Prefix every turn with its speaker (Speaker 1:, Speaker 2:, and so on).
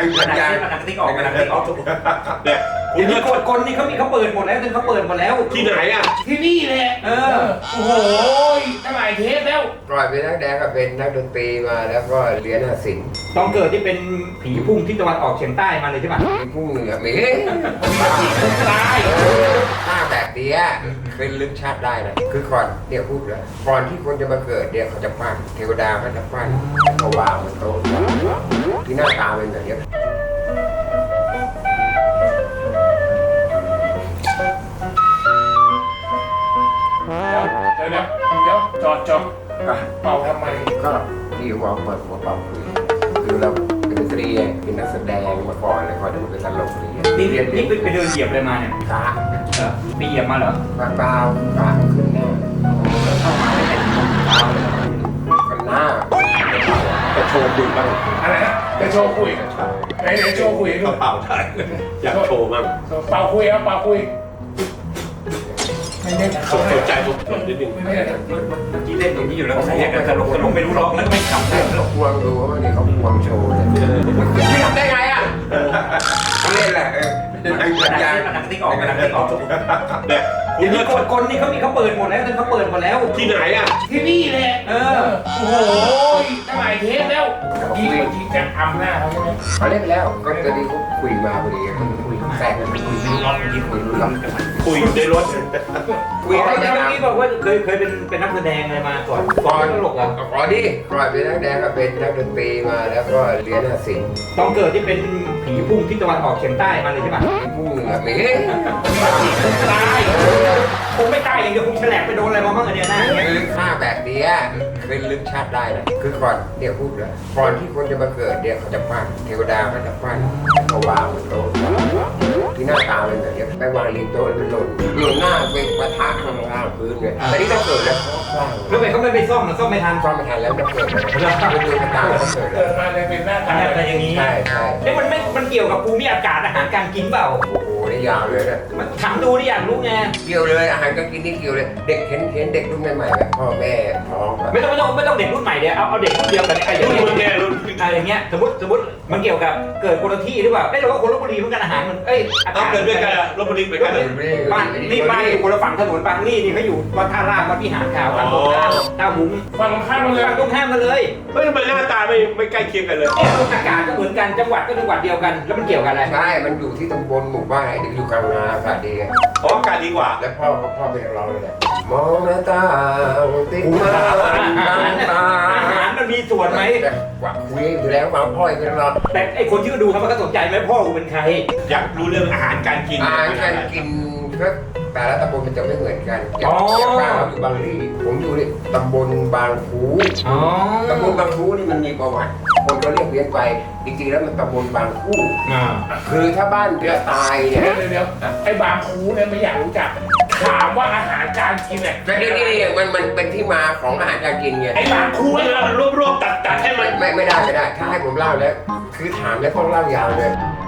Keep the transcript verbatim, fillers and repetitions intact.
Speaker 1: หนังหนังติ๊กออกหนังติ๊กออก
Speaker 2: เนี่ย
Speaker 1: เดี๋ยวนี้กดคนนี่เขามีเขาเปิดหมดแล้วจนเขาเปิดหมดแล้ว
Speaker 2: ที่ไหนอ่ะ
Speaker 3: ที่นี่แหละ
Speaker 1: เออ
Speaker 3: โอ้โหตั้งหลายเทปแล้ว
Speaker 4: ก่อนเป็นนักแสดงก็เป็นนักดนตรีมาแล้วก็เรียนศิลป์
Speaker 1: ต้องเกิดที่เป็นผีพุ่งที่ตะวันออกเฉียงใต้มาเลยใช่ป่ะ
Speaker 4: มีพุ่งเหนือมี
Speaker 3: ผีพุ่งตาย
Speaker 4: หน้าแบบเนี้ยเป็นลึกชาติได้นะคือก่อนเนี่ยพูดแล้วก่อนที่คนจะมาเกิดเนี่ยเขาจะปั้นเทวดาเขาจะปั้นเขาวางบนโต๊ะที่หน้าตาเป็นแบบนี้
Speaker 3: เดี๋ยวเดี๋ยวเดี๋ยวจอดจอดเป่าทำไม
Speaker 4: ก็ที่วางเปิดหัวเป่าคุยคือเราเป็นดนตรีเป็นนักแสดงมาก่อนแล้วก็จะเป็นตลกอะไรเงี้ย
Speaker 1: นี่นี่ไปเดินเหยียบอะไรมาเนี่ย
Speaker 4: ขา
Speaker 1: เออไปเหยียบมาเหรอ
Speaker 4: เบาๆขาขึ้นหน้า
Speaker 1: เข้ามาไม่เป็นเท้าเลย
Speaker 4: กันหน้า
Speaker 2: จะโชว์คุยบ้าง
Speaker 3: อะไรนะจะโชว์คุยไหนไหนโชว์คุยดู
Speaker 2: กระเป๋าได้อยากโชว์บ้าง
Speaker 3: เป่าคุยครับเป่าคุยไม่ได้
Speaker 2: สนใจผมนิดนึง
Speaker 3: ไม่ได้
Speaker 1: เมื่อกี้เล่นอย่างนี้อยู่แล้วเขาเรียกกันตลกตลกไม่รู้ร้องแล้วไม่ขำได้หรอก
Speaker 4: ควงดูว่าเนี่ยเขาควงโชว์เลยไม่ทำได้ไงอ่ะเขาเล่นแหละเออ
Speaker 1: หนังหนังติ๊กออกหนังติ๊กออก
Speaker 2: เนี่ย
Speaker 1: เดี๋ยวนี้กดคนนี่เขามีเขาเปิดหมดแล้วจนเขาเปิดหมดแล้ว
Speaker 2: ที่ไหนอ่ะ
Speaker 3: ที่นี่แหละ
Speaker 1: เออ
Speaker 3: โอ้โหตั้งหลายเทปแล้วดีกว่าจริงจะทำหน้าเขาใช่ไหม
Speaker 4: เขาเล่นไปแล้วก็ตอนนี้เขาคุยมาพอดีเขาคุยแทรกกันคุย
Speaker 1: ไม่รู้ร้องเมื่อกี้คุยรู้ร้อง
Speaker 2: คุยอยู่ในรถ
Speaker 4: คุยอะไร
Speaker 1: เมื่
Speaker 4: กัน
Speaker 1: อกี้บอกว่าเคยเคยเป็นเป็นนักแสดงอะไรมาก่อน
Speaker 4: ก่อน
Speaker 1: ตลกอ่ะ
Speaker 4: ก่อนดิก่อนเป็นนักแสดงก็เป็นนักดนตรีมาแล้วก็เรียนศิลป์
Speaker 1: ต้องเกิดที่เป็นผีพุ่งที่ตะวันออกเฉียงใต้มาเลยใช่ป่ะ
Speaker 4: มีพุ่งเหนือมี
Speaker 1: ผีพุ่งตายคงไม่ตายอย่างเดียวคงแฉลบไปโดนอะไรมาบ้างอันเนี้ยนะอย่างเงี้ย
Speaker 4: ลึกหน้าแบบเนี้ยเป็นลึกชาติได้นะคือก่อนเนี่ยพูดแล้วก่อนที่คนจะมาเกิดเนี่ยเขาจะปั้นเทวดาเขาจะปั้นเขาวางบนโต๊ะที่หน้าตาเป็นแบบนี้ไปวางริมโต๊ะเป็นหล่นหล่นหน้าเป็นปะทะข้างล่างพื้นเลยแต่นี่ต้องเกิดแล้วเขาสร้าง
Speaker 1: แล้วไปเขาไม่ไปซ่อมนะซ่อมไม่ทัน
Speaker 4: ซ่อมไม่ทันแล้วต้องเกิดแล้วเป็นดวงชะตาเขาเกิด
Speaker 3: เกิดมาเลยเป็นหน้าตา
Speaker 1: อะไรอย่างนี้
Speaker 4: ใช่ใช่
Speaker 1: เอ้มันไม่มันเกี่ยวกับภูมิอากาศอาหารการกินเปล่า
Speaker 4: โอ้โหนี่ยาวเลยนะ
Speaker 1: มันถามดูนี่อยากรู้ไง
Speaker 4: เกี่ยวเลยอาหารก็กินนี่เกี่ยวเลยเด็กเห็นเห็นเด็กรุ่นใหม่ๆแบบพ่อแม่ท้องแบบ
Speaker 1: ไม่ต้องไม่ต้องไม่ต้องเด็กรุ่นใหม่เดี๋ยวเอาเอาเด็กรุ่นเดียวกันไอ้อย่าง
Speaker 2: รุ่น
Speaker 1: เงี้ย
Speaker 2: แง่รุ่น
Speaker 1: อะไรอย่างเงี้ยสมมติสมมติมันเกี่ยวกับเกิดคนละที่หรือเปล่าเอ้ยเราก็คนลบบุรีเหมือนกันอาหารมันเอ้ยอา
Speaker 2: ต้อก
Speaker 1: าง ศ
Speaker 2: เกิดด้วยกันอะรถบรรทุกไปกันเลย
Speaker 1: บ้านนี่บ้านอยู่คนละฝั่งถนนบางนี่นี่เขาอยู่วัดท่าราชวัดพิหารขาววัดตรงข้ามท่าหุง
Speaker 3: ฟังข้ามมาเลย
Speaker 1: ฝั่งตรงข้ามกันเลย
Speaker 2: เฮ้ยทำไมหน้าตาไม่ไม่ใกล้เคียงกันเลย
Speaker 1: เนี่ยอากาศก็เหมือนกันจังหวัดก็จังหวัดเดียวกันแล้วมันเกี่ยวกันอะไร
Speaker 4: ใช่มันอยู่ที่ตำบลหมู่บ้านไอ้เด็กอยู่กลางนาอากาศดี
Speaker 2: อ๋ออากาศดีกว่า
Speaker 4: แล้วพ่อเขาพ่อเป็นเราเลยแหละมองหน้าตาติดมาตั้งตา
Speaker 1: อาหารมันมีส่วนไหม
Speaker 4: แต่ว่าคุยอยู่แล้วว่าพ่อเป็นเรา
Speaker 1: แต่ไอคนที่ดูเขามันก็สนใจไหมพ่อกูเป็นใคร
Speaker 2: อยากรู้เรื่องอาหารการกิน
Speaker 4: อาหารการกินก็แต่ละตำบลมันจะไม่เหมือนกันอย่างอย่างบ้านเราอยู่บางที่ผมอยู่นี่ตำบลบางคู
Speaker 1: อ๋อ
Speaker 4: ตำบลบางคูนี่มันมีประวัติคนก็เรียกเพี้ยนไปจริงๆแล้วมันตำบลบางคู
Speaker 1: อ่า
Speaker 4: คือถ้าบ้านเรือตายเนี่ย
Speaker 3: เดี๋ยวเดี๋ยวไอ้บางคูเนี่ยไม่อยากรู้จักถามว่าอาหารการกินเนี่ย
Speaker 4: แต่นี่นี่มันมันเป็นที่มาของอาหารการกินไง
Speaker 3: ไอ้บางคู
Speaker 2: คุย
Speaker 3: เนี่ย
Speaker 2: รวบรวบตัดตัดให้มัน
Speaker 4: ไม่ไม่ได้ไม่ได้ ถ้าให้ผมเล่าแล้วคือถามแล้วต้องเล่ายาวเลย